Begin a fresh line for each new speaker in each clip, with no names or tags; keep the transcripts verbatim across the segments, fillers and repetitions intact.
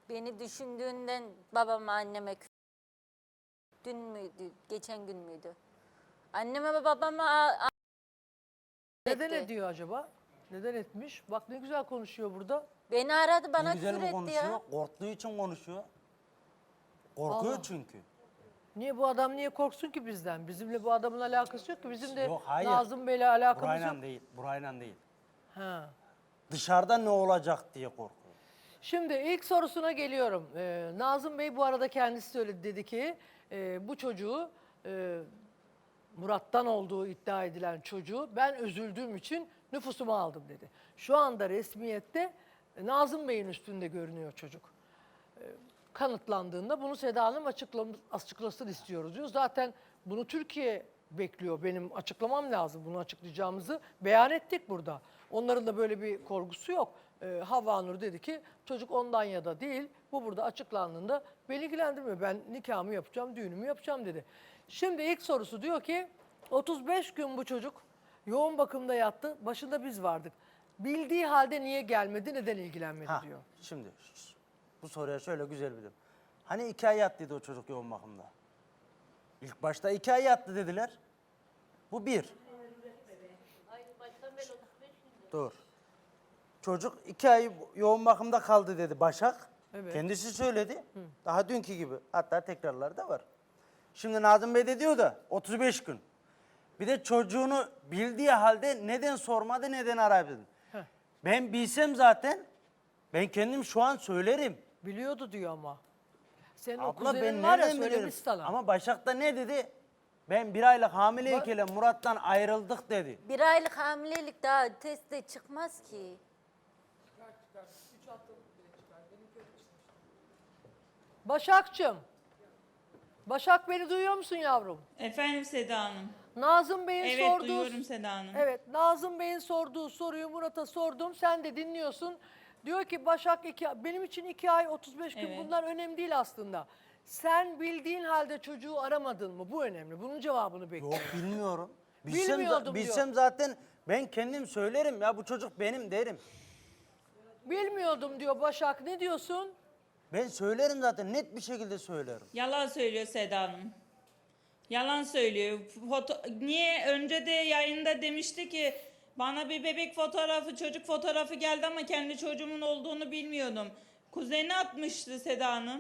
Beni düşündüğünden babama anneme kü- dün müydü, geçen gün müydü? Anneme ve babama a- a-
Neden
etti.
ediyor acaba? Neden etmiş? Bak ne güzel konuşuyor burada.
Beni aradı bana
Ne güzel
küfür
mi
etti
konuşuyor?
ya.
Korktuğu için konuşuyor. Korkuyor
Allah.
çünkü.
Niye bu adam niye korksun ki bizden? Bizimle bu adamın alakası yok ki. Bizim de
Yok, hayır.
Nazım Bey'le alakamız
Burayla
yok.
değil, burayla değil.
Ha.
Dışarıda ne olacak diye korkuyor.
Şimdi ilk sorusuna geliyorum. Ee, Nazım Bey bu arada kendisi söyledi, dedi ki e, bu çocuğu e, Murat'tan olduğu iddia edilen çocuğu ben üzüldüğüm için nüfusuma aldım dedi. Şu anda resmiyette e, Nazım Bey'in üstünde görünüyor çocuk. E, kanıtlandığında bunu Seda Hanım açıklam- açıklasın istiyoruz diyor. Zaten bunu Türkiye bekliyor. Benim açıklamam lazım. Bunu açıklayacağımızı beyan ettik burada. Onların da böyle bir korkusu yok. Ee, Havva Nur dedi ki çocuk ondan ya da değil. Bu burada açıklandığında beni ilgilendirmiyor. Ben nikahımı yapacağım, düğünümü yapacağım dedi. Şimdi ilk sorusu diyor ki otuz beş gün bu çocuk yoğun bakımda yattı. Başında biz vardık. Bildiği halde niye gelmedi, neden ilgilenmedi
Ha,
diyor.
şimdi bu soruya şöyle güzel bir de. Hani iki ay yattıydı o çocuk yoğun bakımda? İlk başta iki ay yattı dediler. Bu bir. Dur. Çocuk iki ay yoğun bakımda kaldı dedi Başak.
Evet.
Kendisi söyledi. Daha dünkü gibi. Hatta tekrarları da var. Şimdi Nazım Bey de diyor da otuz beş gün. Bir de çocuğunu bildiği halde neden sormadı, neden aradı?
Heh.
Ben bilsem zaten ben kendim şu an söylerim.
Biliyordu diyor ama. Senin o
Abla
kuzenin
ben
var ya
nereden
söylemiş
bilirim?
sana.
Ama Başak da ne dedi? Ben bir aylık hamileyken Murat'tan ayrıldık dedi.
Bir aylık hamilelik daha testte çıkmaz ki.
Başak'cığım. Başak beni duyuyor musun yavrum?
Efendim Seda Hanım.
Nazım Bey'in
Evet
sorduğu...
duyuyorum Seda Hanım.
Evet, Nazım Bey'in sorduğu soruyu Murat'a sordum. Sen de dinliyorsun. Diyor ki Başak iki, benim için iki ay otuz beş gün
Evet.
bunlar önemli değil aslında. Sen bildiğin halde çocuğu aramadın mı? Bu önemli. Bunun cevabını bekliyorum.
Yok bilmiyorum. Bilsem,
Bilmiyordum
za- bilsem zaten ben kendim söylerim ya bu çocuk benim derim.
Bilmiyordum diyor Başak. Ne diyorsun?
Ben söylerim zaten net bir şekilde söylerim.
Yalan söylüyor Seda Hanım. Yalan söylüyor. Foto Niye önce de yayında demişti ki bana bir bebek fotoğrafı, çocuk fotoğrafı geldi ama kendi çocuğumun olduğunu bilmiyordum. Kuzeni atmıştı Seda Hanım.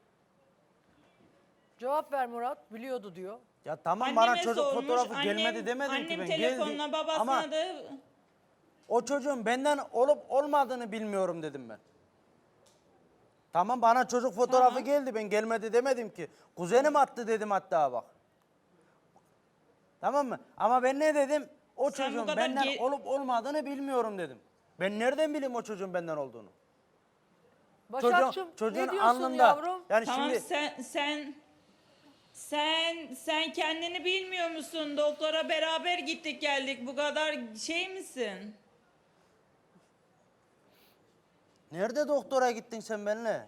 Cevap ver Murat. Biliyordu diyor.
Ya tamam
Anneme
bana çocuk
sormuş,
fotoğrafı
annem-
gelmedi demedim
annem
ki ben
telefonla
geldi.
babasına
Ama
da
o çocuğun benden olup olmadığını bilmiyorum dedim ben. Tamam bana çocuk fotoğrafı
Tamam.
geldi ben gelmedi demedim ki. Kuzenim attı dedim hatta bak. Tamam mı? Ama ben ne dedim? O
Sen bu
çocuğun
kadar
benden
ge-
olup olmadığını bilmiyorum dedim. Ben nereden bileyim o çocuğun benden olduğunu?
Başak'cığım
çocuğun
ne diyorsun
alnında.
yavrum?
Yani
tamam
şimdi
sen sen sen sen kendini bilmiyor musun? Doktora beraber gittik geldik. Bu kadar şey misin?
nerede doktora gittin sen benimle?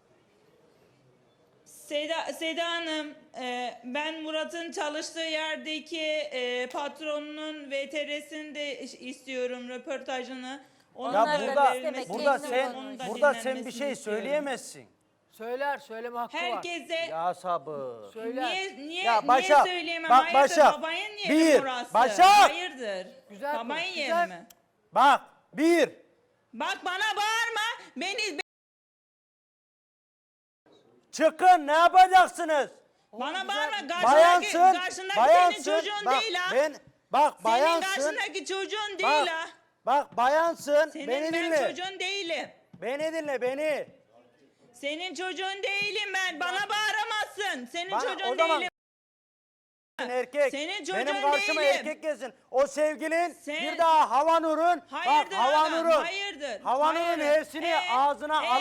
Seda, Seda Hanım, e, ben Murat'ın çalıştığı yerdeki e, patronunun V T R'sini de istiyorum, röportajını. Onun
Ya
Onlar da
burada
istemek,
burada
kendini
sen
bulmuş.
burada sen bir
dinlenmesini
şey
istiyorum.
söyleyemezsin.
Söyler, söyleme hakkı var.
Herkese
Ya sabır.
Söyler.
niye niye
Ya Başak,
niye söyleyemem?
bak
Hayırdır
Başak,
babanın yeri
bir,
mi burası?
Başak!
Hayırdır?
Güzel
babanın
konuş,
yeri
güzel.
mi?
Bak bir.
Bak bana bağırma. Beni
Çıkın ne yapacaksınız?
bana bağırma. Karşındaki,
Bayansın.
karşındaki
bayansın.
senin çocuğun
bak,
değil ha.
Ben, bak
Senin
bayansın.
karşındaki çocuğun
Bak,
değil ha.
bak bayansın.
Senin
beni
ben
dinle.
çocuğun değilim.
Beni dinle beni.
Senin çocuğun değilim ben. Bana bağıramazsın. Senin
Bana-
çocuğun
o zaman-
değilim.
Erkek.
Senin çocuğun
Benim karşıma
değilim.
erkek gelsin. O sevgilin
Sen-
bir daha Havanur'un. Bak
Hayırdır
Havanur'un.
adam, hayırdır.
Havanur'un
hayırdır.
hepsini
Ee,
ağzına
ee,
al.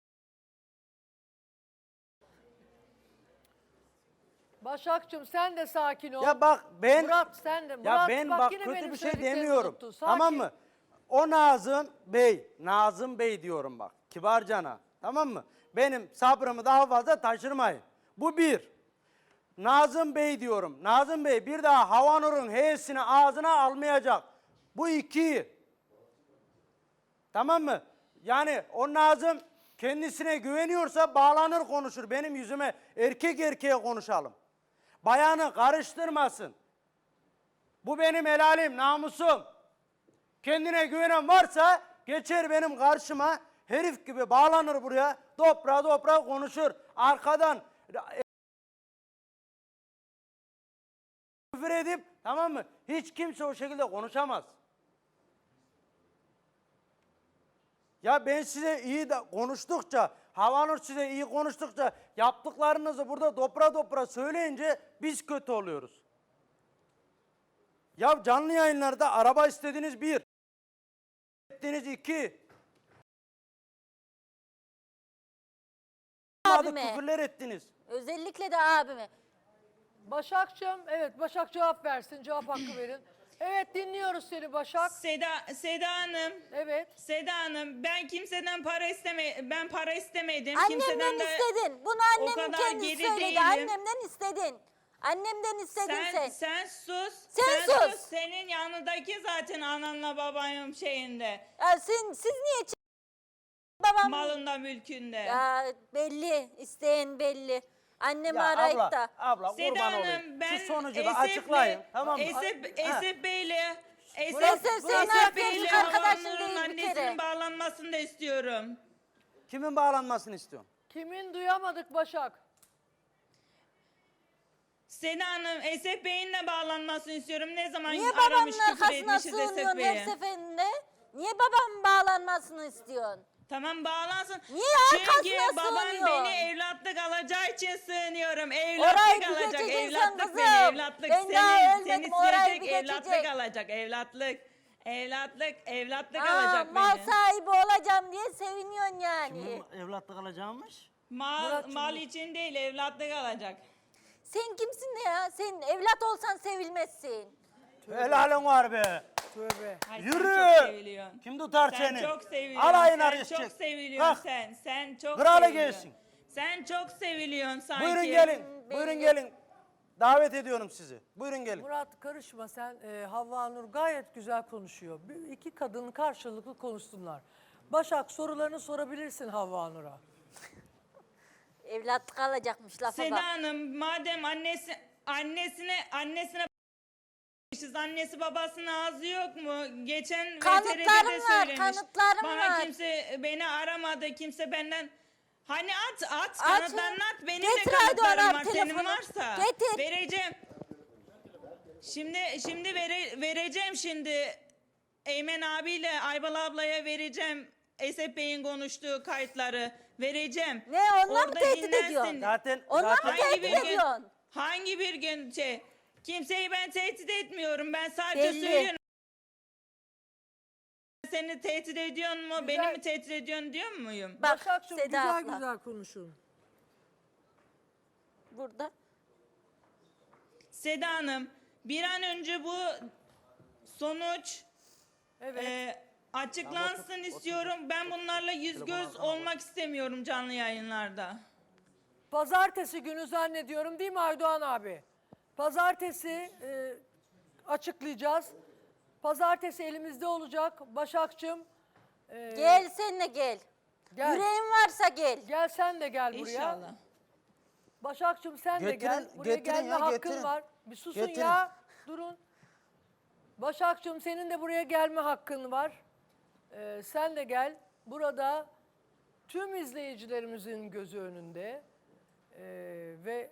Başak'cığım sen de sakin ol.
Ya bak ben
Murat sen de.
ya
Murat,
ben
bak,
bak
yine
kötü
benim
bir şey
söylediklerimi
demiyorum.
unuttun. Sakin.
Tamam mı? O Nazım Bey, Nazım Bey diyorum bak. Kibarcana. Tamam mı? Benim sabrımı daha fazla taşırmayın. Bu bir. Nazım Bey diyorum. Nazım Bey bir daha Havanur'un heyesini ağzına almayacak. Bu iki. Tamam mı? Yani o Nazım Kendisine güveniyorsa bağlanır konuşur. Benim yüzüme erkek erkeğe konuşalım. Bayanı karıştırmasın. Bu benim helalim, namusum. Kendine güvenen varsa geçer benim karşıma, herif gibi bağlanır buraya, dopra dopra konuşur. Arkadan küfür edip, tamam mı? Hiç kimse o şekilde konuşamaz. Ya ben size iyi de konuştukça, Havanur size iyi konuştukça, yaptıklarınızı burada dopra dopra söyleyince biz kötü oluyoruz. Ya canlı yayınlarda araba istediniz bir, ettiniz iki.
Abime.
Küfürler ettiniz.
Özellikle de abime.
Başakçığım, evet Başak cevap versin, cevap hakkı verin. Evet dinliyoruz seni Başak.
Seda, Seda Hanım.
Evet.
Seda Hanım, ben kimseden para isteme ben para istemedim.
Annemden
kimseden de
istedin. Bunu
o
annemin
kadar
kendisi
geri
söyledi.
değilim.
Annemden istedin. Annemden istedin
sen,
sen.
sen sus.
Sen sus.
Senin yanındaki zaten ananla babanın şeyinde.
Ya sen, siz niye ç- babam?
Malında mülkünde.
Ya belli. İsteyen belli. Annemi
Ya
arayıp
abla,
da.
abla
Seda
kurban olayım.
Hanım, ben
Şu sonucu da
Esef'le-
açıklayın. Tamam mı?
Esef,
Ha.
Esef Bey'le Esef,
Murat, sen- sen
Esef
artık
Bey'le
arkadaşın
Havanur'un
değil bir
annesinin
kere.
bağlanmasını da istiyorum.
Kimin bağlanmasını istiyorsun?
Kimin duyamadık Başak?
Seda Hanım, Esef Bey'in de bağlanmasını istiyorum. Ne zaman
Niye
aramış
babamın
küfür
arkasına
etmişiz Esef
sığınıyorsun
Bey'e.
her seferinde? Niye babamın bağlanmasını istiyorsun?
Tamam bağlansın.
Niye
Çünkü
arkasına
baban
sığınıyorsun?
beni evlatlık alacağı için sığınıyorum.
Orayı
Evlatlık
bir
alacak.
geçeceksin
Evlatlık
kızım.
beni evlatlık.
Ben
seni,
daha
seni
ölmedim, orayı
isteyecek
bir
evlatlık
geçecek.
alacak. Evlatlık. Evlatlık. Evlatlık
Aa,
alacak
mal
beni.
sahibi olacağım diye seviniyorsun yani.
Kimin evlatlık alacağımış?
Mal,
Muratçım,
mal için değil evlatlık alacak.
Sen kimsin ya? Sen evlat olsan sevilmezsin.
Helalin var be.
Tövbe.
Ay, sen
Yürü.
çok seviliyorsun.
Kim tutar
Sen
seni?
çok seviliyorsun.
Alayına
sen
arayacak.
çok seviliyorsun
Kalk.
sen. Sen çok
Kralı
seviliyorsun.
gelsin.
Sen çok seviliyorsun sanki.
Buyurun gelin.
belli.
Buyurun gelin. Davet ediyorum sizi. Buyurun gelin.
Murat karışma sen. e, Havva Nur gayet güzel konuşuyor. Bir, iki kadın karşılıklı konuşsunlar. Başak sorularını sorabilirsin Havva Nur'a.
Evlatlık alacakmış lafa
Seda
bak.
Hanım madem annesi annesine annesine annesi babasının ağzı yok mu? Geçen
Kanıtlarım
V T R'de de
var,
söylemiş.
kanıtlarım
Bana
var.
kimse beni aramadı. Kimse benden hani at at
At.
kanıtlarını at. Benim
Getir
de
hadi
kanıtlarım
ona
var. Senin
telefonu.
varsa
Getir.
vereceğim. Şimdi şimdi vere, vereceğim şimdi. Eymen abiyle Aybal ablaya vereceğim. Esef Bey'in konuştuğu kayıtları vereceğim.
Ne, onunla mı
Orada
tehdit
dinlersin.
ediyorsun?
Zaten
Onunla mı
zaten
tehdit
bir gün-
ediyorsun?
Hangi bir gün şey, kimseyi ben tehdit etmiyorum. Ben sadece
Belli.
söylüyorum. Seni tehdit ediyor mu?
Güzel.
Beni mi tehdit ediyorsun diyor muyum?
Bak
Başak'cığım
Seda
güzel
abla.
güzel konuşun.
Burada.
Seda Hanım, bir an önce bu sonuç
Evet.
e, açıklansın istiyorum. Ben bunlarla yüz göz olmak istemiyorum canlı yayınlarda.
Pazartesi günü zannediyorum değil mi Aydoğan abi? Pazartesi e, açıklayacağız. Pazartesi elimizde olacak. Başak'cığım e,
Gel sen de gel.
gel.
Yüreğin varsa gel.
Gel sen de gel buraya.
İnşallah.
Başak'cığım sen de gel.
Getirin,
Buraya
getirin
gelme
ya,
hakkın
getirin.
var. Bir susun
Getirin.
ya. Durun. Başak'cığım senin de buraya gelme hakkın var. Ee, sen de gel. Burada tüm izleyicilerimizin gözü önünde ee, ve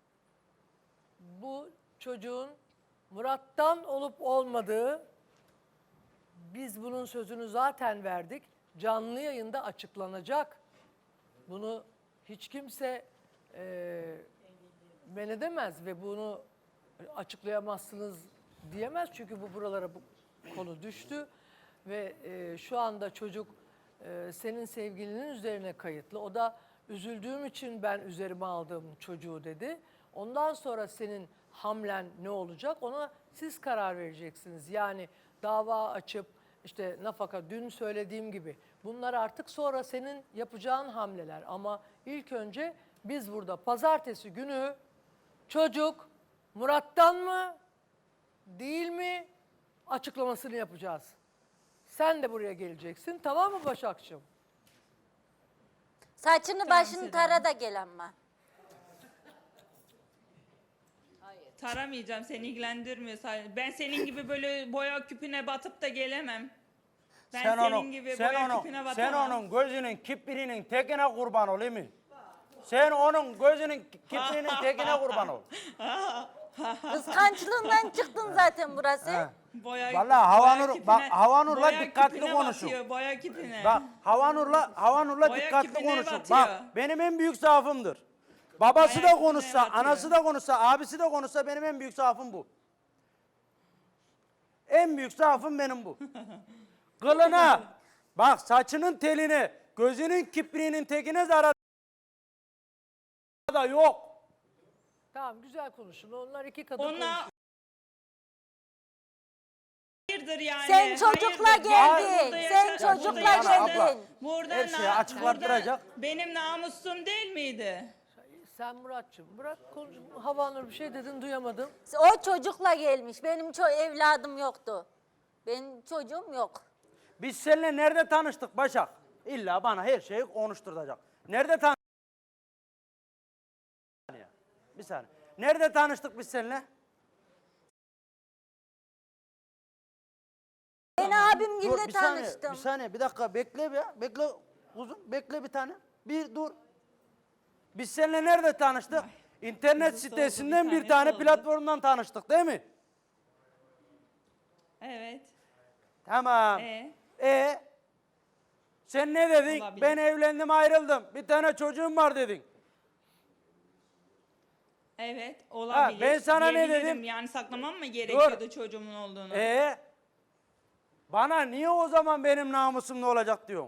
bu çocuğun Murat'tan olup olmadığı, biz bunun sözünü zaten verdik. Canlı yayında açıklanacak. Bunu hiç kimse e, men edemez ve bunu açıklayamazsınız diyemez. Çünkü bu buralara bu konu düştü ve e, şu anda çocuk e, senin sevgilinin üzerine kayıtlı. O da üzüldüğüm için ben üzerime aldım çocuğu dedi. Ondan sonra senin hamlen ne olacak ona siz karar vereceksiniz. Yani dava açıp işte nafaka dün söylediğim gibi bunlar artık sonra senin yapacağın hamleler. Ama ilk önce biz burada pazartesi günü çocuk Murat'tan mı değil mi açıklamasını yapacağız. Sen de buraya geleceksin, tamam mı Başakçığım?
Saçını
Tamam,
başını
Seda
tara
Hanım.
da gel ama.
Taramayacağım, seni ilgilendirmiyor. Ben senin gibi böyle boya küpüne batıp da gelemem. Ben
sen
senin
onun,
gibi
sen
boya
onun,
küpüne
sen
batamam.
onun gözünün kiprinin tekine kurban ol, değil mi? Sen onun gözünün kiprinin tekine kurban ol.
Kıskançlığından çıktın zaten burası.
He.
Boya,
Vallahi
boya
Havanur,
küpüne-
bak Havanur'la
boya
dikkatli
küpüne
konuşun.
batıyor, boya küpüne.
Bak Havanur'la Havanur'la
Boya
dikkatli
küpüne
konuşun.
batıyor.
Bak benim en büyük zaafımdır. Babası
Boya
da konuşsa,
küpüne batıyor.
anası da konuşsa, abisi de konuşsa benim en büyük zaafım bu. En büyük zaafım benim bu. Kılına, bak saçının telini, gözünün kipriğinin tekine zarar da yok.
Tamam güzel konuşun. Onlar iki kadın
Ona
konuşuyor.
hayırdır yani.
Sen çocukla
hayırdır.
geldin.
Burada
Sen
yaşa-
çocukla
burada yaşadın.
geldin.
Burada
Her şeyi
na-
açıklattıracak.
burada benim namusum değil miydi?
Sen Muratçım bırak konuş. Havanur bir şey dedin duyamadım.
O çocukla gelmiş. Benim ço evladım yoktu. Benim çocuğum yok.
Biz seninle nerede tanıştık Başak? İlla bana her şeyi konuşturacak. Nerede tanıştık? Bir saniye. Bir saniye. Nerede tanıştık biz seninle?
Ben abim
Dur,
gibi
bir saniye,
tanıştım.
bir saniye, bir dakika bekle bir ya. Bekle uzun, bekle bir tane. Bir dur. Biz seninle nerede tanıştık? İnternet
Kızı soldu,
sitesinden
bir
bir
tane
tane
soldu.
platformdan tanıştık değil mi?
Evet.
Tamam.
E
E sen ne dedin?
Olabilir.
Ben evlendim ayrıldım. Bir tane çocuğum var dedin.
evet olabilir.
ben sana ne
Diyebilirim.
dedim?
Yani saklamam mı gerekiyordu
Dur.
çocuğumun olduğunu?
E bana niye o zaman benim namusum ne olacak diyorsun?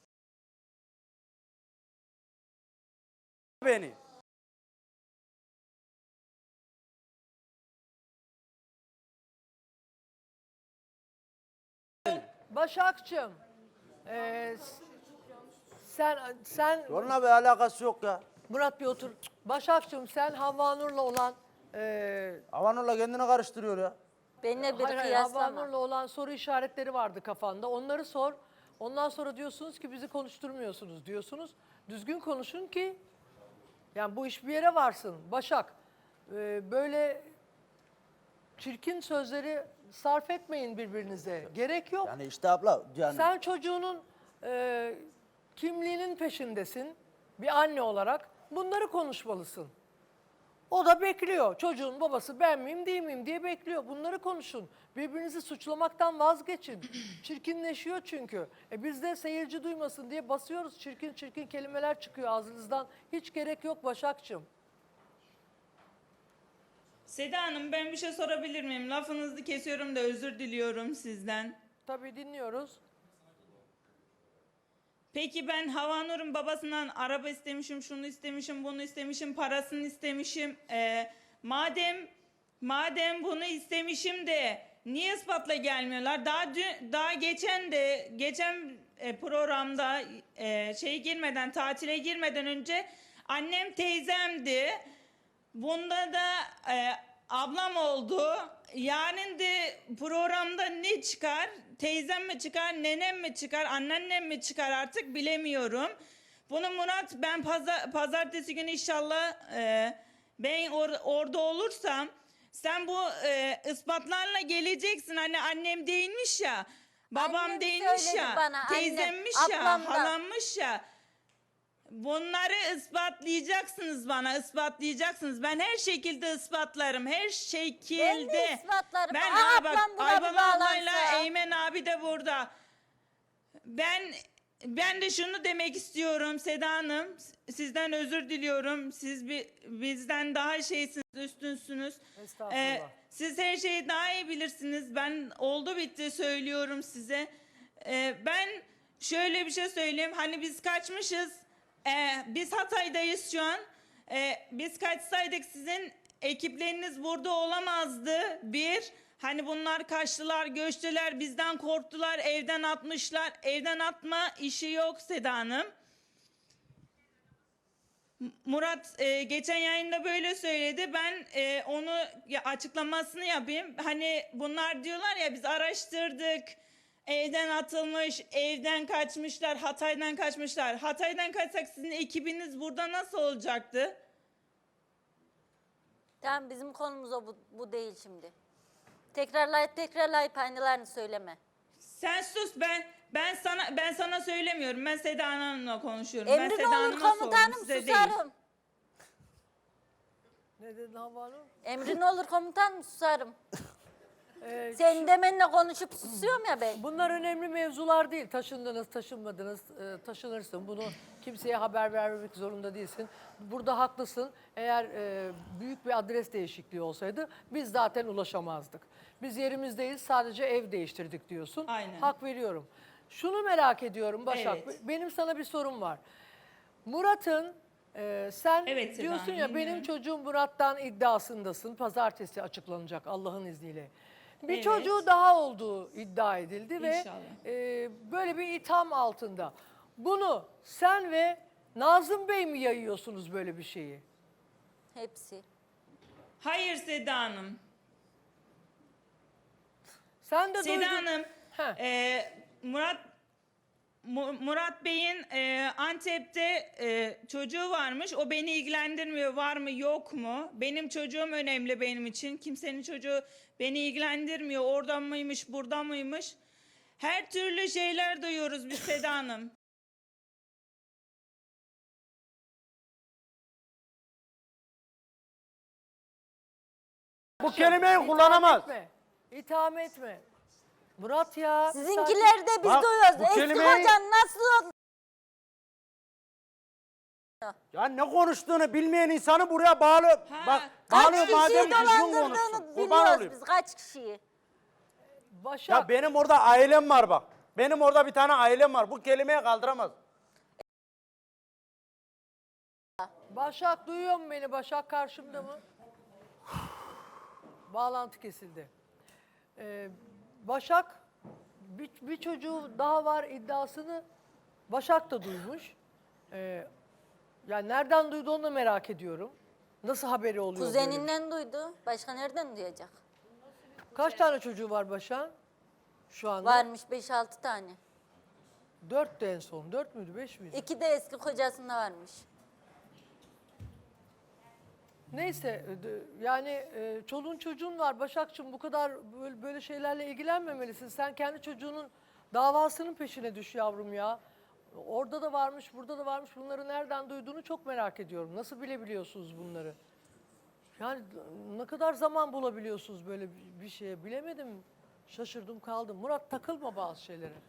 Beni.
Başakçım. eee, s- sen sen
Onunla bir alakası yok ya.
Murat bir otur. Başakçım sen Havanur'la olan eee
Havanur'la kendini karıştırıyor ya.
Benimle bir
hayır, hayır,
kıyaslama.
Havanur'la olan soru işaretleri vardı kafanda. Onları sor. Ondan sonra diyorsunuz ki bizi konuşturmuyorsunuz diyorsunuz. Düzgün konuşun ki yani bu iş bir yere varsın. Başak eee, böyle çirkin sözleri sarf etmeyin birbirinize. Gerek yok.
Yani işte abla yani
Sen çocuğunun e, kimliğinin peşindesin bir anne olarak. Bunları konuşmalısın. O da bekliyor. Çocuğun babası ben miyim değil miyim diye bekliyor. Bunları konuşun. Birbirinizi suçlamaktan vazgeçin. Çirkinleşiyor çünkü. E biz de seyirci duymasın diye basıyoruz. Çirkin çirkin kelimeler çıkıyor ağzınızdan. Hiç gerek yok Başakçığım.
Seda Hanım ben bir şey sorabilir miyim? Lafınızı kesiyorum da özür diliyorum sizden.
Tabii dinliyoruz.
Peki ben Havanur'un babasından araba istemişim, şunu istemişim, bunu istemişim, parasını istemişim. Ee, madem madem bunu istemişim de niye ispatla gelmiyorlar? Daha dün, daha geçen de geçen e, programda e, şey girmeden tatile girmeden önce annem teyzemdi. Bunda da e, ablam oldu. Yarın de programda ne çıkar? Teyzem mi çıkar, nenem mi çıkar, anneannem mi çıkar artık bilemiyorum. Bunu Murat ben pazar, pazartesi günü inşallah e, ben or- orada olursam sen bu e, ispatlarla geleceksin. Hani annem değilmiş ya, babam
Annem
değilmiş
söyledi
ya,
bana, annem,
teyzemmiş ya,
ablam da.
halammış ya. Bunları ispatlayacaksınız bana, ispatlayacaksınız. Ben her şekilde ispatlarım, her şekilde.
Ben de ispatlarım.
Ben
Aa,
aa, bak
ablam buna
Ayban
bir
ablayla
bağlansa.
Eymen abi de burada. Ben ben de şunu demek istiyorum Seda Hanım. Sizden özür diliyorum. Siz bir, bizden daha şeysiniz, üstünsünüz.
Estağfurullah.
siz her şeyi daha iyi bilirsiniz. Ben oldu bitti söylüyorum size. Ee, ben şöyle bir şey söyleyeyim. Hani biz kaçmışız. Ee, biz Hatay'dayız şu an. Ee, biz kaçsaydık sizin ekipleriniz burada olamazdı. Bir, hani bunlar kaçtılar, göçtüler, bizden korktular, evden atmışlar. Evden atma işi yok Seda Hanım. Murat e, geçen yayında böyle söyledi. Ben e, onu ya, açıklamasını yapayım. Hani bunlar diyorlar ya biz araştırdık. evden atılmış, evden kaçmışlar, Hatay'dan kaçmışlar. Hatay'dan kaçsak sizin ekibiniz burada nasıl olacaktı?
Tamam, bizim konumuz o, bu, bu değil şimdi. Tekrarlayıp tekrarlayıp aynılarını söyleme.
Sen sus, ben ben sana ben sana söylemiyorum. Ben Seda Hanım'la konuşuyorum. ben
Emrin
Seda
olur
Hanım'a sordum,
komutanım,
size değil.
susarım.
Ne dedin Havva Hanım?
Emrin olur komutanım, susarım.
Ee,
Senin demenle konuşup susuyorum ya ben.
Bunlar önemli mevzular değil. Taşındınız, taşınmadınız, e, taşınırsın. Bunu kimseye haber vermemek zorunda değilsin. Burada haklısın. Eğer e, büyük bir adres değişikliği olsaydı biz zaten ulaşamazdık. Biz yerimizdeyiz, sadece ev değiştirdik diyorsun.
Aynen.
Hak veriyorum. Şunu merak ediyorum Başak.
Evet.
Benim sana bir sorum var. Murat'ın e, sen
Evet, Seda
diyorsun
Hanım,
ya benim
dinliyorum.
çocuğum Murat'tan iddiasındasın. Pazartesi açıklanacak Allah'ın izniyle. Bir
Evet.
çocuğu daha olduğu iddia edildi ve
İnşallah.
e, böyle bir itham altında. Bunu sen ve Nazım Bey mi yayıyorsunuz böyle bir şeyi?
Hepsi.
Hayır Seda Hanım.
Sen de
Seda
duydun.
Hanım,
Heh.
e, Murat Mu- Murat Bey'in e, Antep'te e, çocuğu varmış. O beni ilgilendirmiyor. Var mı yok mu? Benim çocuğum önemli benim için. Kimsenin çocuğu beni ilgilendirmiyor. Oradan mıymış, buradan mıymış? Her türlü şeyler duyuyoruz biz Seda Hanım.
Bu kelimeyi
İtham
kullanamaz.
etme. İtham etme. Murat ya.
Sizinkiler de biz
Bak,
duyuyoruz.
bu
Eski
kelimeyi-
kocan nasıl?
Ya ne konuştuğunu bilmeyen insanı buraya bağlı.
Ha,
Bak
Kaç
bağlıyor
kişiyi
madem düzgün konuşsun.
dolandırdığını
Kurban
biliyoruz
olayım.
biz, kaç kişiyi.
Başak.
Ya benim orada ailem var bak. Benim orada bir tane ailem var. Bu kelimeyi kaldıramaz.
Başak duyuyor mu beni? Başak karşımda mı? Bağlantı kesildi. Ee, Başak bir, bir çocuğu daha var iddiasını Başak da duymuş. Ee, yani nereden duydu onu da merak ediyorum. Nasıl haberi oluyor böyle bir şey?
Kuzeninden duydu. Başka nereden duyacak?
Kaç tane çocuğu var Başak'ın? Şu anda?
Varmış beş altı tane.
Dört de en son. Dört müydü? Beş miydi?
İki de eski kocasında varmış.
Neyse e, d- yani e, çoluğun çocuğun var Başakçığım, bu kadar böyle, böyle şeylerle ilgilenmemelisin. Sen kendi çocuğunun davasının peşine düş yavrum ya. Orada da varmış, burada da varmış. Bunları nereden duyduğunu çok merak ediyorum. Nasıl bilebiliyorsunuz bunları? Yani ne kadar zaman bulabiliyorsunuz böyle bir bir şeye, bilemedim. Şaşırdım kaldım. Murat, takılma bazı şeylere.